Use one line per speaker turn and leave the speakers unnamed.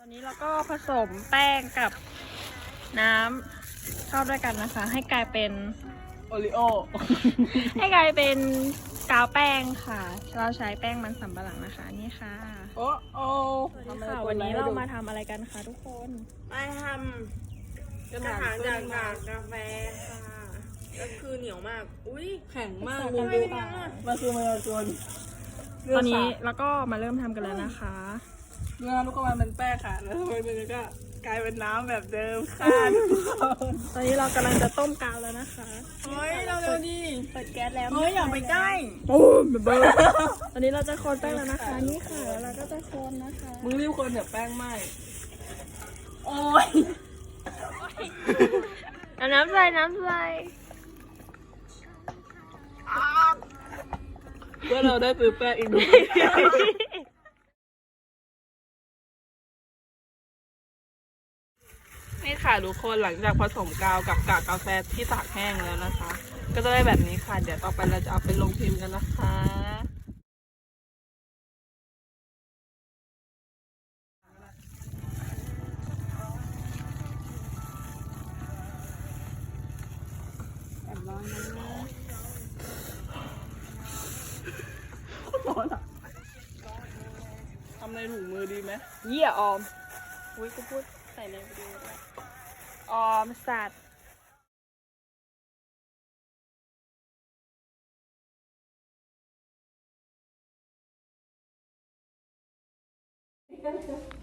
ตอนนี้เราก็ผสมแป้งกับน้ำเข้าด้วยกันนะคะ ให้กลายเป็น
โอริโอ
ให้กลายเป็นกาวแป้งค่ะ เราใช้แป้งมันสำปะหลังนะคะนี่ค่ะ
โอ้โอ้
สวัสดีค่ะวันนี้เรามาทำอะไรกันคะทุกคน
มาทำอาหารจากกาแฟค่ะ ก็คือเหนียวมาก อุ้ย
แข็งมาก
ทำไม
มึง
ไม่
ดู
ได้
มันคือมันกวน
ตอนนี้เราก็มาเริ่มทำกันแล้วนะคะ
เนื้อลูกกระมันเป็นแป้งค่ะ แล้วทำไมมันก็กลายเป็นน้ำแบบเดิมค่ะ
ตอนนี้เรากำลังจะต้มกาวแล้วนะคะ
เฮ้ยเราเร็วดิ
เปิดแก๊สแล้ว
เฮ้ยอย่าไปใกล้
โอ้ยเบอร์ตอนนี้เราจะคนแป้งแล้วนะคะ นี่ค่ะแล้วเราก็จะคนนะคะ
มึงรีบคนเดี๋ยวแป้งไหมโอ้ย
เอาน้ำใส่น้ำใส่
เพื่อเราได้ซื้อแป้งอีกนิดนี่ค่ะทุกคนหลังจากผสมกาวกับกากกาแฟที่ตากแห้งแล้วนะคะ ก็จะได้แบบนี้ค่ะ เดี๋ยวต่อไปเราจะเอาไปลงพิมพ์กันนะคะร้อนอ่ะทำในถุงมือดีไหม
เยี่ยออมอุ้ยกูพูดใส่ในวิดีโอด้วยออมสัตว์